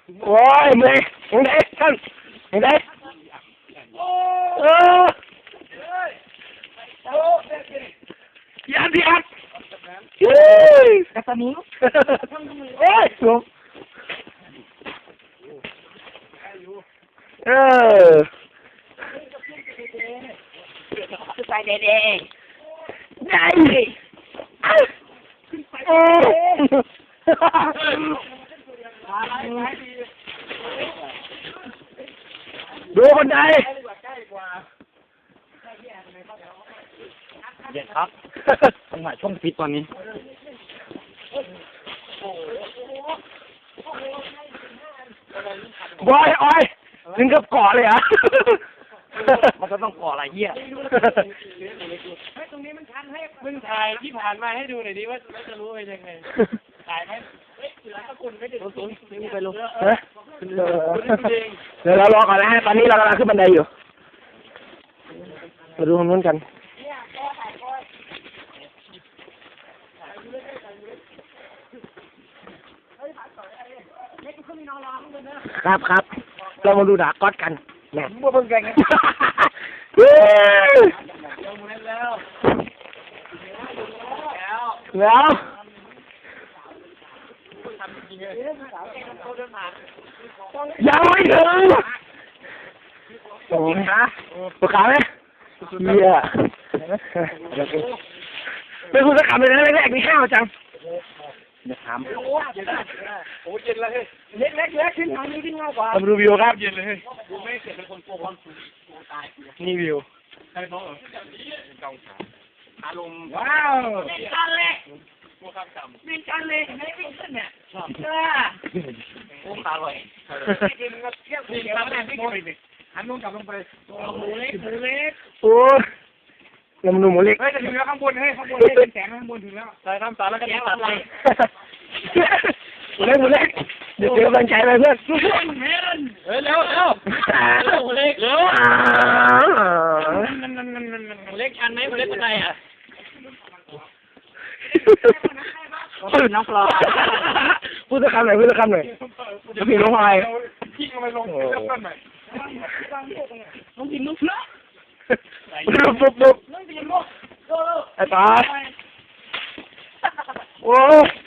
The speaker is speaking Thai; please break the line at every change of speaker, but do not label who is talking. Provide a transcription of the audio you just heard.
โอ้ยเมื่อยยังไงท่านยังไงยัดยัดเฮ้ยกระสันนิงเฮ้ยลุงไปเด็กๆได้ดูคนใดเย็นครับจังหวะช่วงฟิตตอนนี้บอยอ้อยถึงกับเกาะเลยอ่ะมันก็ต้องเกาะอะไรเหี้ย
ตรงนี้มันชันให้มึงถ่ายที่ผ่านมาให้ดูหน่อยดิว่าจะรู้เป็นยังไงถ่ายไหมเสือตะกุนไม่ได้สูงไปลง
เดี๋ยวเรารอก่อนนะฮะตอนนี้เรากำลังขึ้นบันไดอยู่มาดูตรงนู้นกันครับครับเรามาดูดาก๊อตกันแหม่บัวเบิ่งแกงแล้วยังไม่ถึงโอ้ยฮะปวดขาไหมเหี้ยไม่พูดสักคำเลยนะแรกๆนี่ห้าวจังอย่าถาม
โอ้เย็นเลยเล็กขึ้นทางนี้ขึ้นง่ายกว่า
ทำดูวิวครับ
เย็นเลยดูไม่เสร็จเป็นคนโกงความสูงตาย
นี่วิว
ใช่เพราะกองขาอารมณ์ว้าวมีกันเลยตัวข้ามต่ำมีกันเลยไม่ได้ขึ้นเนี่ยชอบโอ้ขาลอยกินกับเที่ยวกินกับแม่ไม่กินเลยหันลงกลับลงไปหมูเล็ก
โอ้ยำหนูหมูเล็ก
เฮ้ยจะถึงแล้วข้างบนให้เป็นแสงข้างบนถึงแล้วใส่ทำสารแล้วก็แสงตัดเลย
หมูเล็กเดี๋ยวเจอกำลังใจไปเพื่อน
เฮ้ยเร็วหมูเล็กเร็วมันเล็กชันไหมมันเล็กเป็นไงอ่ะ
พูดน้องปลาพูดสักคำหน่อยเดี๋ยวพี่ลงไป
พี่ก็ไม่ลงเริ่มต้นใหม่น้องกินลูกนะ
ปุ๊บไอ้ตาโอ้